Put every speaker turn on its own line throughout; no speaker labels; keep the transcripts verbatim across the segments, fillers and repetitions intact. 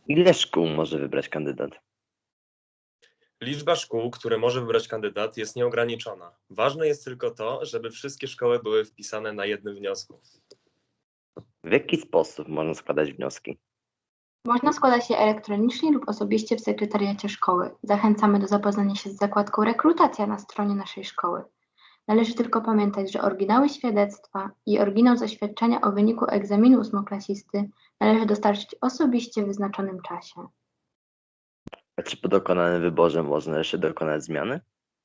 Ile szkół może wybrać kandydat?
Liczba szkół, które może wybrać kandydat, jest nieograniczona. Ważne jest tylko to, żeby wszystkie szkoły były wpisane na jednym wniosku.
W jaki sposób można składać wnioski?
Można składać je elektronicznie lub osobiście w sekretariacie szkoły. Zachęcamy do zapoznania się z zakładką rekrutacja na stronie naszej szkoły. Należy tylko pamiętać, że oryginały świadectwa i oryginał zaświadczenia o wyniku egzaminu ósmoklasisty należy dostarczyć osobiście w wyznaczonym czasie.
A czy po dokonanym wyborze można jeszcze dokonać zmiany?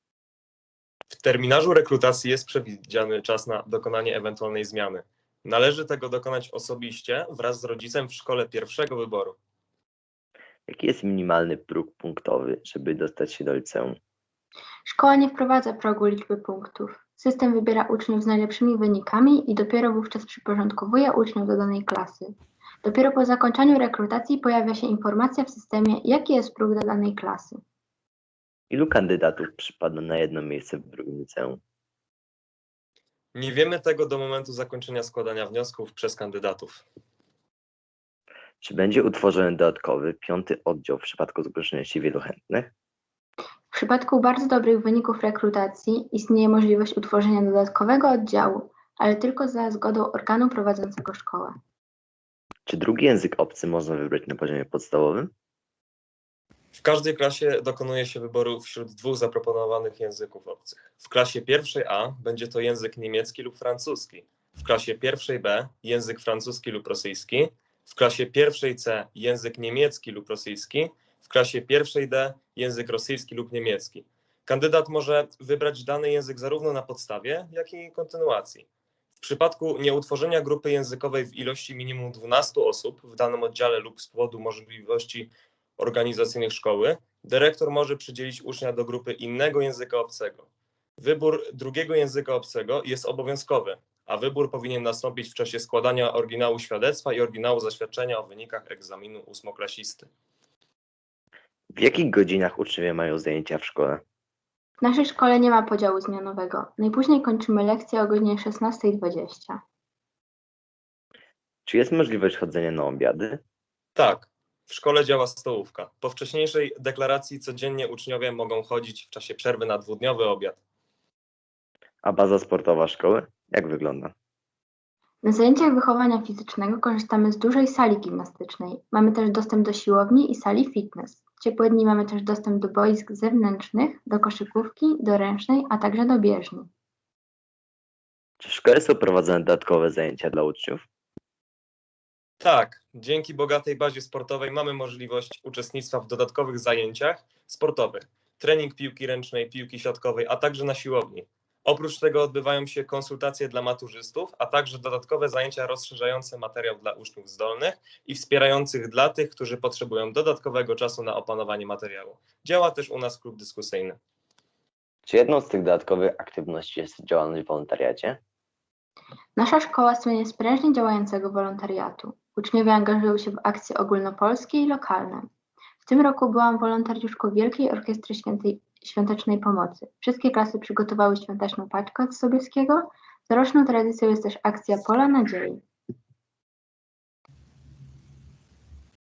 W terminarzu rekrutacji jest przewidziany czas na dokonanie ewentualnej zmiany. Należy tego dokonać osobiście wraz z rodzicem w szkole pierwszego wyboru.
Jaki jest minimalny próg punktowy, żeby dostać się do liceum?
Szkoła nie wprowadza progu liczby punktów. System wybiera uczniów z najlepszymi wynikami i dopiero wówczas przyporządkowuje uczniów do danej klasy. Dopiero po zakończeniu rekrutacji pojawia się informacja w systemie, jaki jest próg do danej klasy.
Ilu kandydatów przypadło na jedno miejsce w drugim liceum?
Nie wiemy tego do momentu zakończenia składania wniosków przez kandydatów.
Czy będzie utworzony dodatkowy, piąty oddział w przypadku zgłoszenia się wielu chętnych?
W przypadku bardzo dobrych wyników rekrutacji istnieje możliwość utworzenia dodatkowego oddziału, ale tylko za zgodą organu prowadzącego szkołę.
Czy drugi język obcy można wybrać na poziomie podstawowym?
W każdej klasie dokonuje się wyboru wśród dwóch zaproponowanych języków obcych. W klasie pierwszej A będzie to język niemiecki lub francuski, w klasie pierwszej B język francuski lub rosyjski, w klasie pierwszej C język niemiecki lub rosyjski, w klasie pierwszej D język rosyjski lub niemiecki. Kandydat może wybrać dany język zarówno na podstawie, jak i kontynuacji. W przypadku nieutworzenia grupy językowej w ilości minimum dwunastu osób w danym oddziale lub z powodu możliwości organizacyjnych szkoły, dyrektor może przydzielić ucznia do grupy innego języka obcego. Wybór drugiego języka obcego jest obowiązkowy, a wybór powinien nastąpić w czasie składania oryginału świadectwa i oryginału zaświadczenia o wynikach egzaminu ósmoklasisty.
W jakich godzinach uczniowie mają zajęcia w szkole?
W naszej szkole nie ma podziału zmianowego. Najpóźniej kończymy lekcje o godzinie szesnastej dwadzieścia.
Czy jest możliwość chodzenia na obiady?
Tak, w szkole działa stołówka. Po wcześniejszej deklaracji codziennie uczniowie mogą chodzić w czasie przerwy na dwudniowy obiad.
A baza sportowa szkoły? Jak wygląda?
Na zajęciach wychowania fizycznego korzystamy z dużej sali gimnastycznej. Mamy też dostęp do siłowni i sali fitness. W ciepłe dni mamy też dostęp do boisk zewnętrznych, do koszykówki, do ręcznej, a także do bieżni.
Czy w szkole są prowadzone dodatkowe zajęcia dla uczniów?
Tak, dzięki bogatej bazie sportowej mamy możliwość uczestnictwa w dodatkowych zajęciach sportowych. Trening piłki ręcznej, piłki siatkowej, a także na siłowni. Oprócz tego odbywają się konsultacje dla maturzystów, a także dodatkowe zajęcia rozszerzające materiał dla uczniów zdolnych i wspierających dla tych, którzy potrzebują dodatkowego czasu na opanowanie materiału. Działa też u nas klub dyskusyjny.
Czy jedną z tych dodatkowych aktywności jest działalność w wolontariacie?
Nasza szkoła słynie z prężnie działającego wolontariatu. Uczniowie angażują się w akcje ogólnopolskie i lokalne. W tym roku byłam wolontariuszką Wielkiej Orkiestry Świętej, Świątecznej Pomocy. Wszystkie klasy przygotowały świąteczną paczkę od Sobieskiego. Coroczną tradycją jest też akcja Pola Nadziei.